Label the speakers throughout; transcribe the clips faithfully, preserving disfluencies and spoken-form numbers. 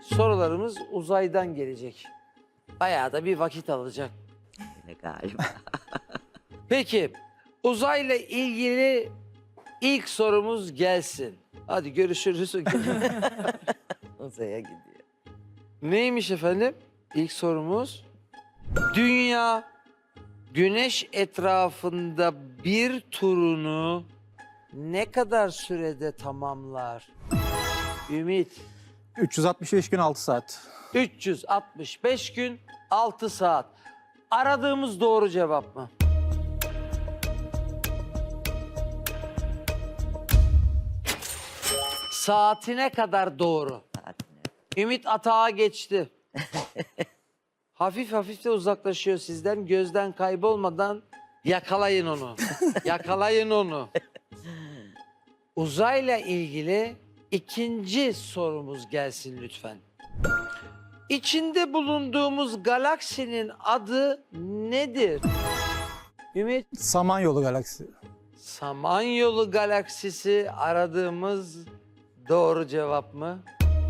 Speaker 1: sorularımız uzaydan gelecek. Bayağı da bir vakit alacak.
Speaker 2: Öyle galiba.
Speaker 1: Peki, uzayla ilgili ilk sorumuz gelsin. Hadi görüşürüz.
Speaker 2: Uzaya gidiyor.
Speaker 1: Neymiş efendim? İlk sorumuz. Dünya Güneş etrafında bir turunu ne kadar sürede tamamlar? Ümit.
Speaker 3: üç yüz altmış beş gün altı saat.
Speaker 1: üç yüz altmış beş gün altı saat. Aradığımız doğru cevap mı? Saatine kadar doğru.
Speaker 2: Saatine.
Speaker 1: Ümit atağa geçti. Hafif hafif de uzaklaşıyor sizden. Gözden kaybolmadan yakalayın onu. Yakalayın onu. Uzayla ilgili ikinci sorumuz gelsin lütfen. İçinde bulunduğumuz galaksinin adı nedir? Ümit.
Speaker 3: Samanyolu galaksisi.
Speaker 1: Samanyolu galaksisi aradığımız doğru cevap mı?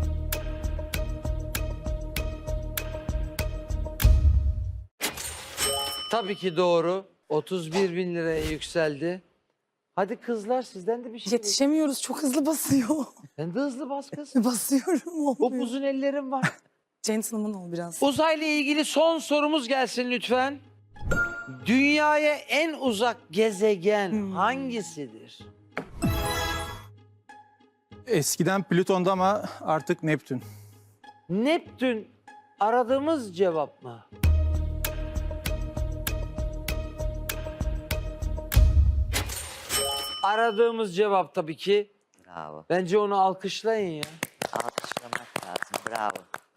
Speaker 1: Tabii ki doğru. otuz bir bin liraya yükseldi. Hadi kızlar sizden de bir şey.
Speaker 4: Yetişemiyoruz, çok hızlı basıyor.
Speaker 1: Sen de hızlı bas kız.
Speaker 4: Basıyorum, olmuyor.
Speaker 1: Upuzun ellerim var.
Speaker 4: Gentleman ol biraz.
Speaker 1: Uzayla ilgili son sorumuz gelsin lütfen. Dünyaya en uzak gezegen
Speaker 4: Hmm.
Speaker 1: hangisidir?
Speaker 3: Eskiden Plüton'da ama artık Neptün.
Speaker 1: Neptün aradığımız cevap mı? Aradığımız cevap tabii ki.
Speaker 2: Bravo.
Speaker 1: Bence onu alkışlayın ya.
Speaker 2: Alkışlamak lazım. Bravo.